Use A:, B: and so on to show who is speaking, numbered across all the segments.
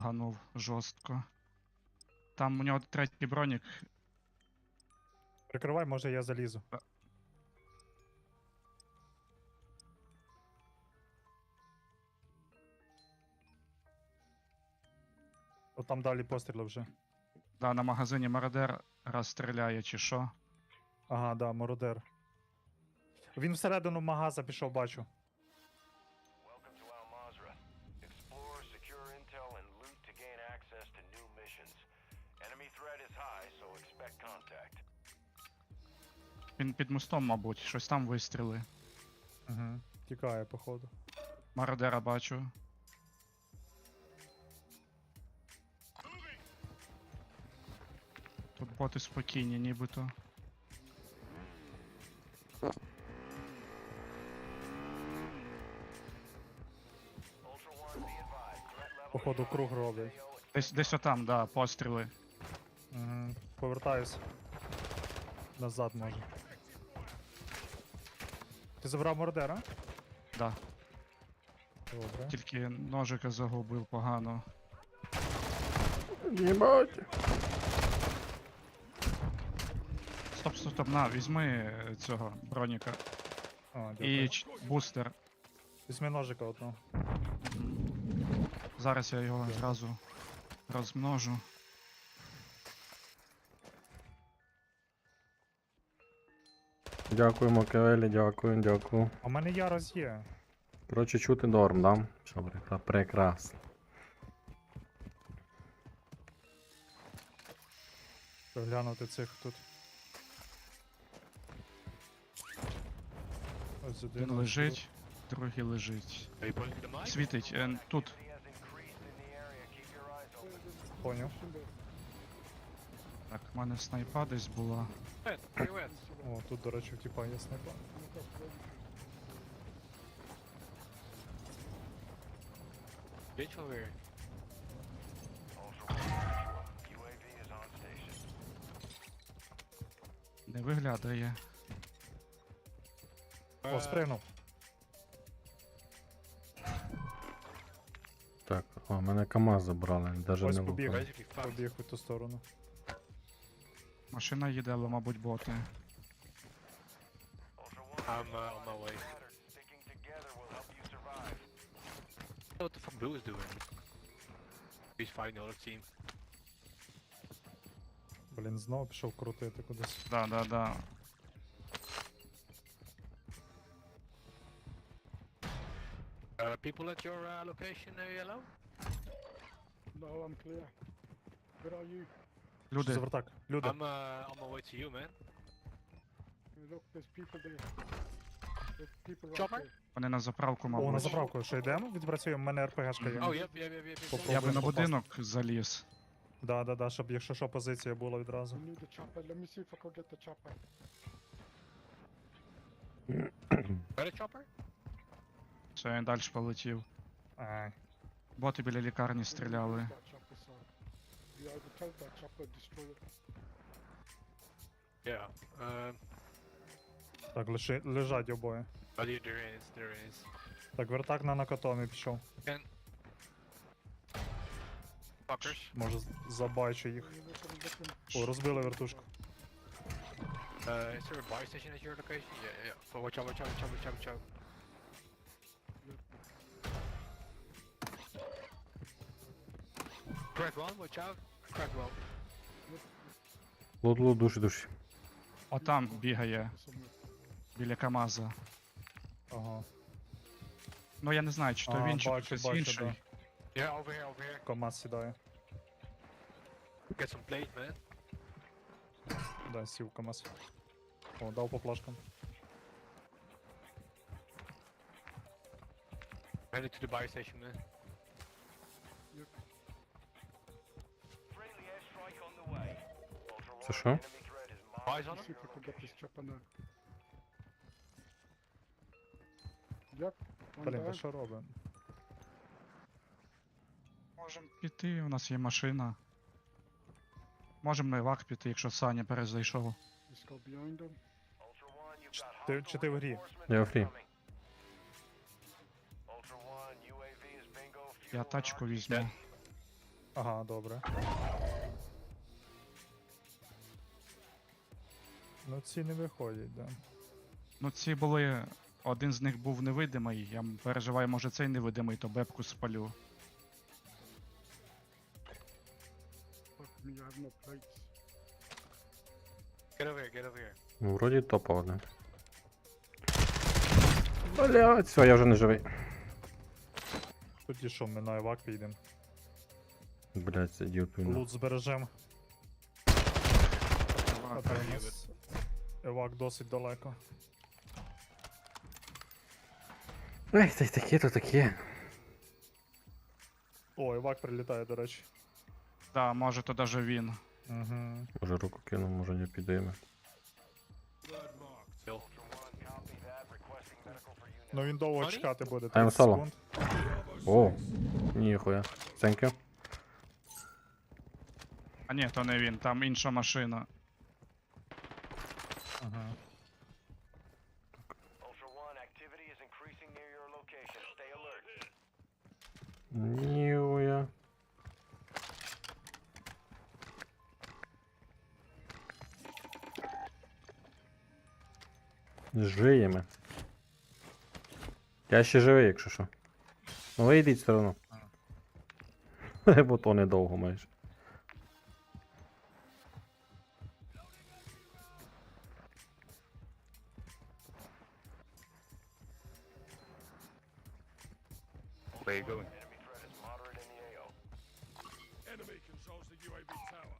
A: ганув жорстко. Там у нього третій бронік.
B: Прикривай, може я залізу. От там далі постріли вже.
A: Да, на магазині мародер раз стріляє чи що.
B: Ага, да, мародер. Він всередину магаза пішов, бачу.
C: Welcome to Al Mazrah. Explore, secure intel, and loot to gain access to new missions. Enemy threat is high, so expect contact.
A: Він під мостом, мабуть, щось там вистріли.
B: Угу. Тікає, походу.
A: Мародера бачу. Тут боти спокійні, нібито.
C: Ultra One, be advised. Threat level
B: Походу,
C: is high.
B: круг роблять.
A: Десь отам, да, постріли.
B: Угу. Повертаюсь. Назад може. Ти забрав мародера?
A: Да.
B: Добре.
A: Тільки ножика загубив погано.
D: Єбать.
A: Стоп, на, візьми цього броніка.
B: А,
A: І
B: дякую.
A: бустер.
B: Візьми ножика одного.
A: Зараз я його зразу розмножу.
D: Дякуємо, Кевелі, дякую.
B: А в мене ярос є.
D: Коротше, чути норм, да? Все, прекрасно.
B: Глянути цих тут. Ось один.
A: Один лежить, другий лежить. Світить, тут.
C: Activity has increased in the area. Keep your eyes open.
B: Поняв.
A: Так, в мене снайпа десь була.
B: О, тут, до речі, типа є снайпа.
C: Ultra One, UAV is on station.
A: Не виглядає.
B: О, спригнув.
D: Так, о, мене КамАЗ забрали, навіть
B: Ось
D: не
B: побіг.
D: лукали.
B: Побіг у ту сторону.
A: Машина їде, але, мабуть, боти.
C: Ultra One,
E: I'm on my way.
C: matters. Sticking together will help you survive.
E: What the fuck Blue is doing? He's fighting the other team.
B: Блін, знову пішов крутити кудись.
A: Да.
E: People at your location, yellow?
F: No, I'm clear. Where are you?
B: Що
A: Люди,
B: за вертак? Люди.
E: I'm on my way to you, man.
F: Look, there's people there. There's people right
E: Chopper?
F: there.
A: вони на заправку,
B: О, на
A: мабуть.
B: заправку, що йдемо? Відпрацюємо, в мене РПГшка є.
E: Oh, yep.
B: Попробуй.
A: Я би на
B: попасти.
A: будинок заліз.
B: Да, щоб якщо що, позиція була відразу.
F: I need the chopper. Let me see if I can get the chopper.
E: Got a chopper?
A: Все, він далі полетів.
B: Ай.
A: Боти біля лікарні стріляли.
F: That chopper, so we either take that chopper, destroy it.
E: Yeah.
B: Так, лежать обоє.
E: There is.
B: Так, вертак на накатомі пішов.
E: Fuckers.
B: Може забачу їх.
F: You look at them, look them.
B: О, розбили вертушку.
E: Is there a buy station at your location? Yeah. Oh, watch out. Crack one, watch out. Crack one.
D: Лут, душі.
A: Отам бігає,
F: Somewhere.
A: біля КамАЗа.
B: Ага.
A: Ну я не знаю, чи то
B: А,
A: він, чи то
B: бачу,
A: хтось
B: бачу,
A: інший.
B: да.
E: Yeah, over here.
B: КамАЗ сідає.
E: Get some plate, man.
B: Да, сів КамАЗ. О, дав по плашкам.
E: Headed to the buy station, man.
C: Friendly airstrike on the way. Ultra
D: Це
C: One,
D: що?
C: enemy threat is
E: Buys on
F: Let's see
E: him?
F: if I can get this chopper now. Yep. One
B: Блін, та
F: down.
B: що робимо?
A: Можемо піти, у нас є машина. Можемо на івак піти, якщо Саня перезайшов.
F: Let's go behind them.
C: Ultra One, you've got
B: Чи ти в грі?
D: Я в грі.
C: Ultra One, UAV is bingo.
A: Я
C: fuel
A: тачку
C: and
A: візьму.
B: Ага, добре. Ну ці не виходять, да.
A: Ну ці були. Один з них був невидимий. Я переживаю, може цей невидимий, то бебку спалю.
F: Fuck me, I have no plates.
E: Get over here, get over here.
D: Ну, вроді топа один. Блядь, все, я вже не живий.
B: Тоді що, ми на евак підемо.
D: Блядь, сидів тут.
B: Лут збережем. А то у нас евак досить далеко.
D: Ей, та й таке, то таке.
B: О, евак прилітає, до речі.
A: Да, може то даже він.
B: Угу.
D: Може руку кину, може не підійме.
E: Bill.
C: Ultra One, copy that. Requesting medical for unit.
B: Ну він довго
E: Sorry?
B: чекати буде.
D: I'm
B: 30
D: solo.
B: секунд.
D: О, ніхуя. Thank you.
A: А ні, то не він, там інша машина.
B: Ага.
C: Ultra One, activity is increasing near your location. Stay alert.
D: Ніхуя. Жиємо. Я ще живий, якщо що. Ну вийдіть все одно. Бо то недовго майже.
E: Where you going?
C: Enemy threat is moderate in the AO.
F: Enemy controls the UAV tower.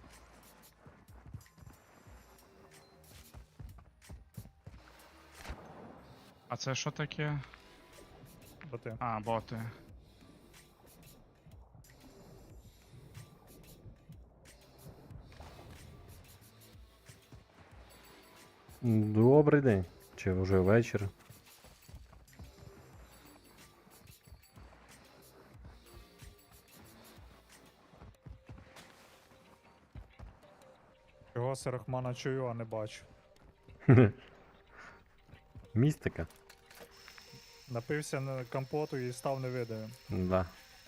A: А це що таке?
B: Боти.
A: А, боти.
D: Добрий день. Чи вже вечір?
B: Його Серахмана чую, а не бачу.
D: Містика?
B: Напився на компоту і став невидимим.
D: Да.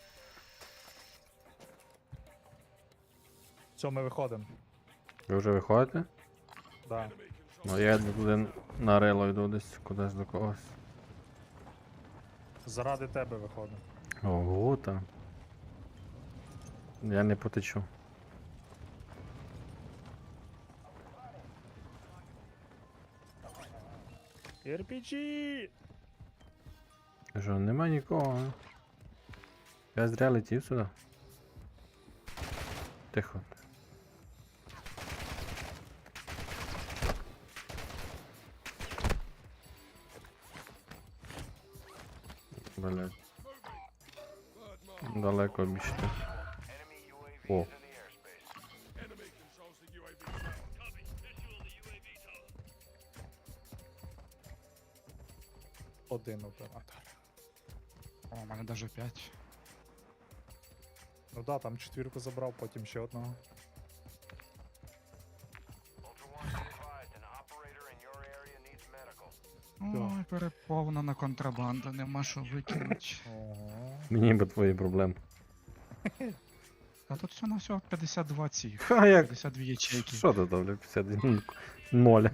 B: Все, ми виходимо.
D: Ви вже виходите?
B: Да.
D: Ну я йду туди на рело йду десь кудись до когось.
B: Заради тебе виходимо.
D: Ого, там. Я не потечу.
B: RPG!
D: Що, нема нікого, а? Я зря летів сюди. Тихо. Блять. Далеко обійшли.
C: Enemy UAV
D: О.
C: is in the airspace.
F: Enemy controls the UAV tower.
B: Один оператор.
A: О, у мене даже 5.
B: Ну да, там четвірку забрав, потім ще одного.
C: Ultra One, be advised, an operator in your area needs medical.
A: Ой, переповнена контрабанда, нема що викинуть.
B: Ого.
D: Мені би твої проблеми.
A: Та тут все на всього 52 цих.
D: Ха, як?
A: 52 ячейки.
D: Що ти там, 51? 0.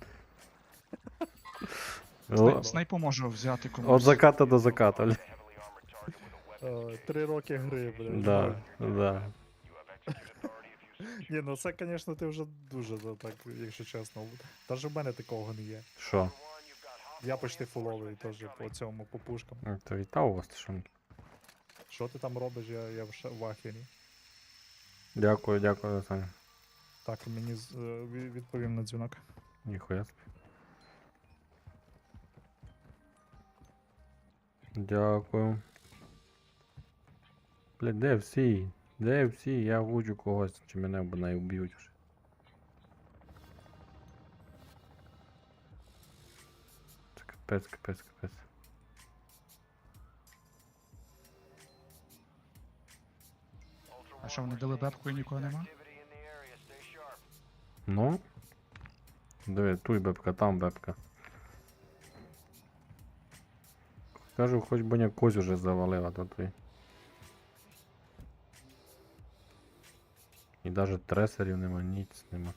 A: Снайпу можу взяти комусь.
D: От заката до заката.
C: Heavily armored target with a weapon.
B: 3 роки гри, блядь.
D: Да, да.
C: You have execute authority if you so
B: Ні, ну це, звісно, ти вже дуже так, якщо чесно. Навіть в мене такого не є.
D: Що?
C: One, you've got
B: Я
C: hostile
B: почти фуловий
C: reinforcements
B: теж по
C: incoming.
B: цьому, по пушкам.
D: То вітав вас, що?
B: Що ти там робиш, я в ахері.
D: Дякую, дякую, Саня.
B: Так, мені відповім на дзвінок.
D: Ніхуя собі. Дякую. Блядь, де всі? Де всі? Я гуджу когось, чи мене б не вб'ють вже. Це капець, капець, капець.
C: Ultra
A: А що,
C: One,
A: вони
C: we're
A: дали
C: seeing
A: бебку і нікого нема?
C: activity in the area. Stay sharp.
D: Ну? Диви, тут бебка, там бебка. Кажу, хоч би не козь уже завалив, а то ти. І навіть тресерів нема, ніц нема.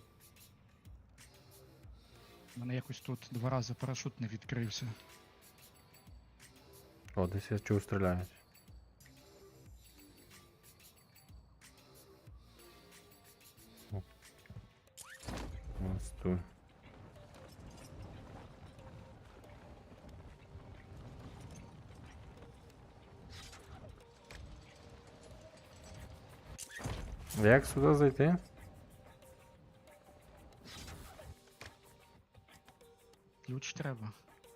A: У мене якось тут 2 рази парашут не відкрився.
D: О, десь я чув стріляють. О. Ось тут. Як сюди зайти?
A: Ключ треба.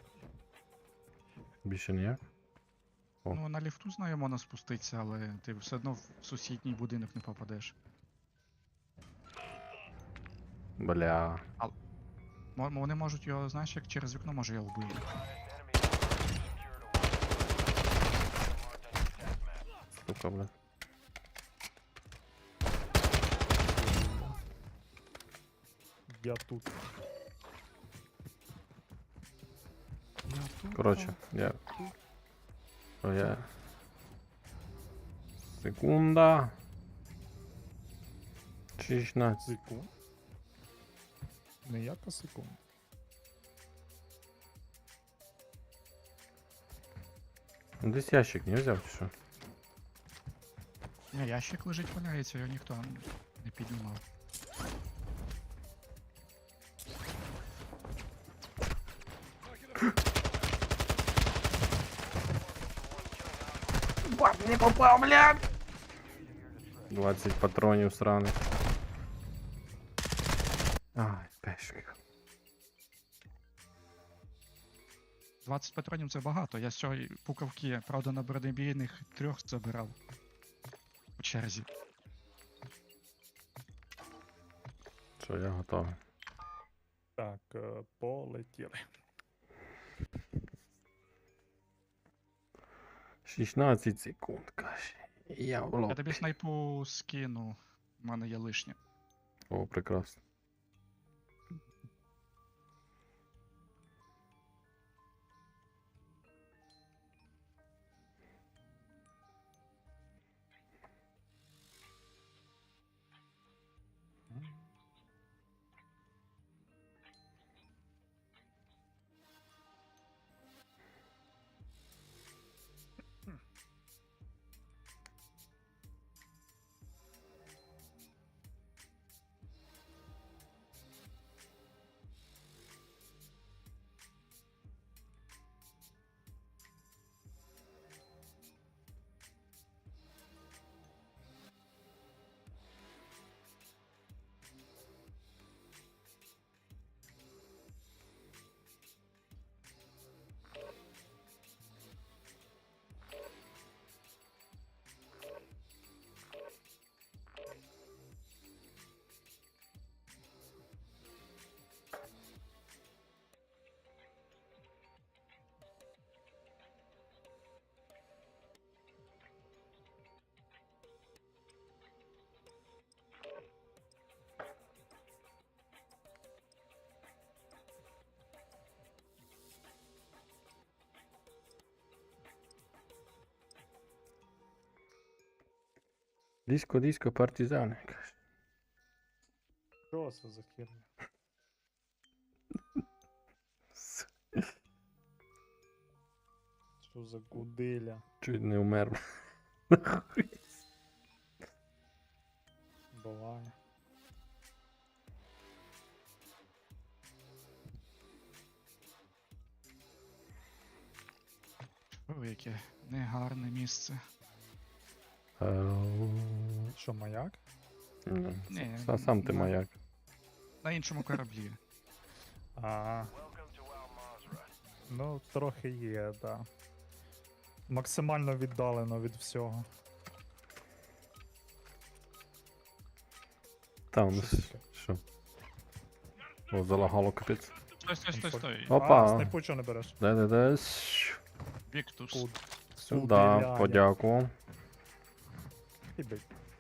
D: Більше ніяк? О.
A: Ну, на ліфту знаю, можна спуститися, але ти все одно в сусідній будинок не попадеш.
D: Бля.
A: Вони можуть його, знаєш, як через вікно може його вбити.
D: Сука, бля.
B: Я тут.
D: Коротше, я. О, я. Секунда. 16.
B: Секунд. Не яка секунд.
D: Ну, десь ящик не взяв, чи що?
A: Ні, ящик лежить, валяється, його ніхто не піднімав.
D: Не попав, блядь! 20 патронів сраних. Ай, пешка.
A: 20 патронів це багато. Я з цього пукавки, правда, на бронебійних 3 забирав. По черзі.
D: Що, я готовий.
B: Так, полетіли.
D: 16 секунд, каже. Я в
A: Я
D: лоб.
A: тобі снайпу скину. У мене є лишнє.
D: О, прекрасно. Диско, диско, партизани, каже.
B: Що це за херня? Що за гуделя?
D: Чуть не умер.
B: Буває.
A: Ой, яке негарне місце.
B: Що, маяк?
A: Ні,
D: Сам ти
A: на-
D: маяк.
A: На іншому кораблі.
B: Ага,
C: Welcome to Al Mazrah.
B: ну трохи є, да. Максимально віддалено від всього.
D: Там,
B: Що таке?
D: що? О, залагало капець.
A: Стой.
D: Опа.
B: А, снайпу чого не береш?
D: Де-де-де.
A: Віктус.
D: Сюди,
B: Удиляє.
D: подякував.
B: Іди.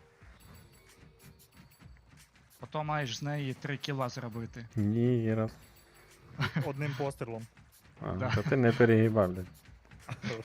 A: Потім маєш з неї 3 кіла зробити.
D: Ні, раз.
B: Одним пострілом.
D: А,
A: Да.
D: та ти не перегибав, блядь.